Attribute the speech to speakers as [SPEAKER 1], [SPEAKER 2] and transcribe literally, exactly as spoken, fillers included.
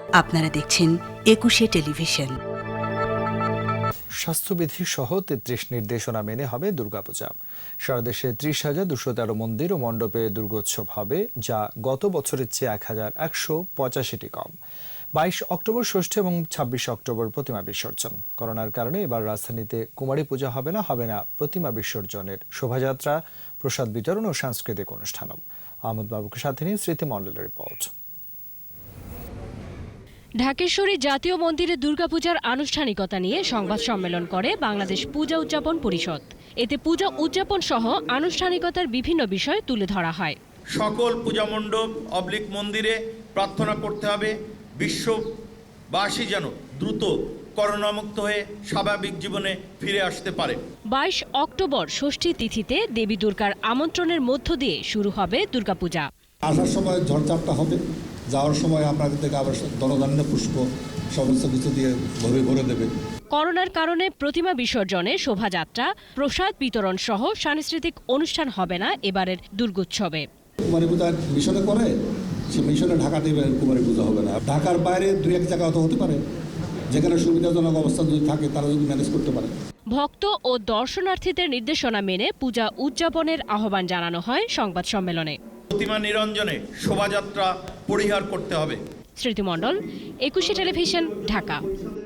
[SPEAKER 1] আপনারা দেখছেন একুশে টেলিভিশন।
[SPEAKER 2] স্বাস্থ্যবিধি সহ তেত্রিশ নির্দেশনা মেনে হবে দুর্গাপূজা। সারা দেশে ত্রিশ হাজার দুশো তেরো মন্দির ও মণ্ডপে দুর্গোৎসব হবে, যা গত বছরের চেয়ে এক হাজার একশো পঁচাশিটি কম। বাইশ অক্টোবর ষষ্ঠী এবং ছাব্বিশ অক্টোবর প্রতিমা বিসর্জন। করোনার কারণে এবার রাজধানীতে কুমারী পূজা হবে না, হবে না প্রতিমা বিসর্জনের শোভাযাত্রা, প্রসাদ বিতরণ ও সাংস্কৃতিক অনুষ্ঠানও। আহমদ বাবুকে সাথে নিয়ে স্মৃতিমণ্ডলের রিপোর্ট।
[SPEAKER 3] ঢাকেশ্বরী জাতীয় মন্দিরে দুর্গাপূজার আনুষ্ঠানিকতা নিয়ে সংবাদ সম্মেলন করে বাংলাদেশ পূজা উদযাপন পরিষদ। এতে পূজা উদযাপন সহ আনুষ্ঠানিকতার বিভিন্ন বিষয় তুলে ধরা হয়।
[SPEAKER 4] সকল পূজা মণ্ডপ অবলিক মন্দিরে প্রার্থনা করতে হবে বিশ্ববাসী যেন দ্রুত করোনামুক্ত হয়ে স্বাভাবিক জীবনে ফিরে আসতে পারে।
[SPEAKER 3] বাইশ অক্টোবর ষষ্ঠী তিথিতে দেবী দুর্গার আমন্ত্রণের মধ্য দিয়ে শুরু হবে দুর্গাপূজা।
[SPEAKER 5] আসার সময় ঝড়ঝাপটা হবে, যাওয়ার সময় আপনাদের থেকে আবার ধনধান্য পুষ্প সমস্ত কিছু দিয়ে ভরে ভরে দেবে।
[SPEAKER 3] করোনার কারণে প্রতিমা বিসর্জনে শোভাযাত্রা, প্রসাদ বিতরণ সহ সাংস্কৃতিক অনুষ্ঠান হবে না এবারের দুর্গোৎসবে।
[SPEAKER 5] কুমারী পূজা মিশনে করে, সে মিশনে ঢাকা দেবে, কুমারী পূজা হবে না। ঢাকার বাইরে দুই এক জায়গা হতে পারে, যেখানে সুবিধাজনক অবস্থা যদি থাকে তারা যদি ম্যানেজ করতে পারে।
[SPEAKER 3] ভক্ত ও দর্শনার্থীদের নির্দেশনা মেনে পূজা উদযাপনের আহ্বান জানানো হয় সংবাদ সম্মেলনে।
[SPEAKER 4] প্রতিমা নিরঞ্জনে শোভাযাত্রা পরিহার করতে হবে।
[SPEAKER 3] স্মৃতিমণ্ডল, একুশে টেলিভিশন, ঢাকা।